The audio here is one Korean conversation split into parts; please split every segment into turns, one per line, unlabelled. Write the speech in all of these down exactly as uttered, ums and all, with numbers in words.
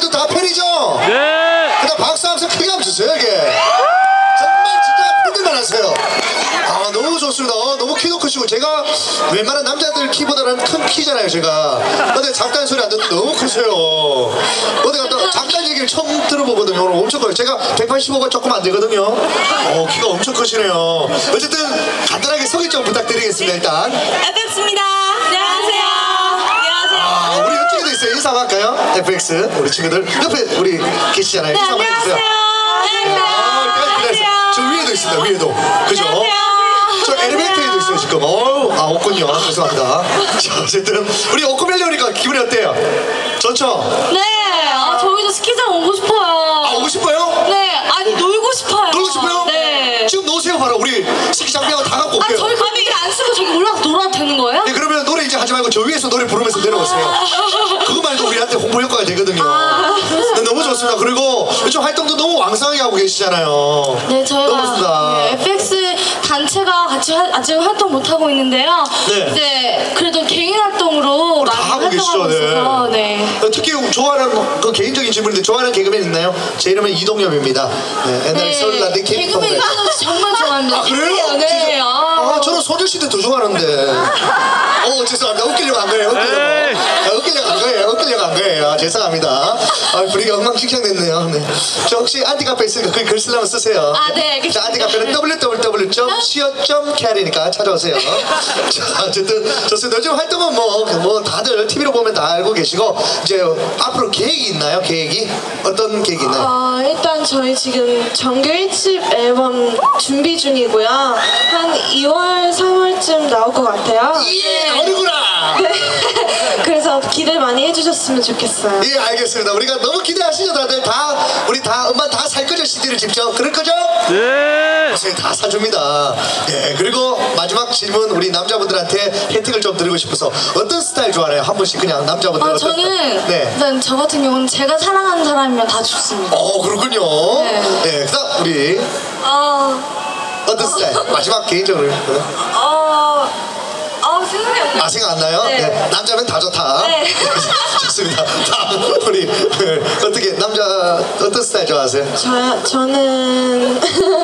여러분들 다 팬이죠?
네.
그냥 박수 한번 크게 한번 주세요 이게. 정말 진짜 팬들만 하세요. 아 너무 좋습니다. 어, 너무 키도 크시고 제가 웬만한 남자들 키보다는 큰 키잖아요 제가. 근데 잠깐 소리 안 듣는데 너무 크세요. 어디 갔다 잠깐 얘기를 처음 들어보거든요. 오늘 엄청 커요. 제가 백팔십오가 조금 안 되거든요. 어 키가 엄청 크시네요. 어쨌든 간단하게 소개 좀 부탁드리겠습니다. 일단
에프엑스입니다. 안녕하세요. 안녕하세요.
아 우리 이쪽에도 있어요. 인사 한번 할까요? 에프엑스 우리 친구들 옆에 우리 계시잖아요.
네,
인사 한번 해주세요.
안녕하세요.
저 위에도 있습니다. 위에도 그죠? 저 엘리베이터에도 있어요 지금. 어우 아 없군요. 죄송합니다. 자 어쨌든 우리 오크밸리 오니까 기분이 어때요? 좋죠?
네, 아, 저희도 스키장 오고 싶어요.
아 오고 싶어요?
네, 아니 놀고 싶어요.
놀고 싶어요?
네.
지금 놓으세요 바로 우리 스키 장비하고 다 갖고
아,
올게요.
저희 가비를 안 쓰고 저기 올라가서 놀아도 되는 거예요?
네, 그러면 노래 이제 하지 말고 저 위에서 노래 부르면서 내려오세요. 그거 말고 우리한테 홍보 효과가 되거든요. 네, 너무 좋습니다. 그리고 요즘 활동도 너무 왕성하게 하고 계시잖아요.
네, 저희가
너무 좋습니다.
네, 에프엑스 단체가 같이 하, 아직 활동 못 하고 있는데요.
네.
이제 그래도 개인 활동으로
다
많이
하고 계시죠,
활동하고
네.
있어서 네.
어, 특히 좋아하는 그 개인적인 질문인데 좋아하는 개그맨 있나요? 제 이름은 이동엽입니다. 네, 옛날에 서울 라디오
개그맨
캠프.
이동엽 씨 정말 좋아합니다.
아 그래요?
네.
진짜? 아 저는 소녀시대 더 좋아하는데. 어 죄송합니다. 웃기려고 한 거예요. 웃기려고. 아, 웃기려고 한 거예요. 웃기려고 한 거예요. 아, 죄송합니다. 아 분위기가 엉망진창됐네요. 네. 저 혹시 안티카페 있으니까 거기 글 쓰려면 쓰세요.
아, 네, 알겠습니다.
자 안티카페는 더블유 더블유 더블유 점 씨오 점 케이알이니까 찾아오세요. 자 어쨌든 좋습니다. 요즘 활동은 뭐, 뭐 다들 티비로 보면 다 알고 계시고 이제 앞으로 계획이 있나요? 계획이? 어떤 계획이 있나요?
어, 일단 저희 지금 정규 일 집 앨범 준비 중이고요. 한 이월, 삼월쯤 나올 것 같아요.
예, 어리구나.
네. 그래서 기대 많이 해주셨으면 좋겠어요.
예 알겠습니다. 우리가 너무 기대하시죠 다들 다 우리 다 엄마 다 살 거죠 씨디를 직접 그럴 거죠?
네.
저희 다 사줍니다. 예 그리고 마지막 질문 우리 남자분들한테 혜택을 좀 드리고 싶어서 어떤 스타일 좋아해요? 한 분씩 그냥 남자분들
아,
어떤
저는
스타일? 네.
일단 저 같은 경우는 제가 사랑하는 사람이면 다 좋습니다.
어 그렇군요.
네.
네 그다음 우리
어,
어떤 스타일? 마지막 개인적으로
어, 어 생각이 안 나.
아 생각 안 나요?
네.
남자면 다 좋다.
네.
좋습니다. 다음 우리 네. 어떻게 남자 어떤 스타일 좋아하세요?
저, 저는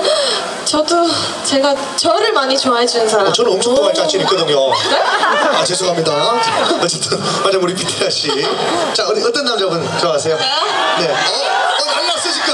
저도 제가 저를 많이 좋아해 주는 사람.
어, 저는 엄청 좋아할 자신 있거든요. 아 죄송합니다. 어쨌든 맞아 우리 비티라 씨. 자 우리 어떤 남자분 좋아하세요? 네. 어, 어 날랐어 지금.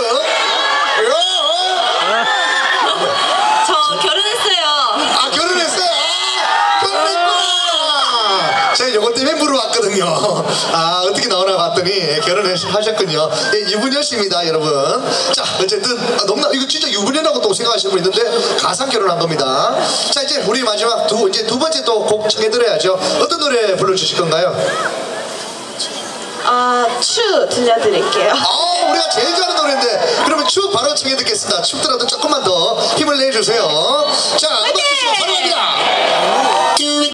저 결혼했어요.
아 결혼했어요. 아, 결혼했구나. 제가 요거 때문에 물어봤거든요. 아 어떻게 나오나 봤더니 결혼하셨군요. 예, 유부녀 씨입니다 여러분. 자 어쨌든 아, 너무나 이거 진짜 유부녀라고 또 생각하시는 분 있는데 가상 결혼한 겁니다. 자 이제 우리 마지막 두 이제 두 번째 또 곡 청해드려야죠. 어떤 노래 불러주실 건가요?
아, 추 들려드릴게요.
아 우리가 제일 좋아하는 노래인데 그러면 춤 바로 청해 듣겠습니다. 춥더라도 조금만 더 힘을 내주세요. 자 음악 주시고 바로 갑니다.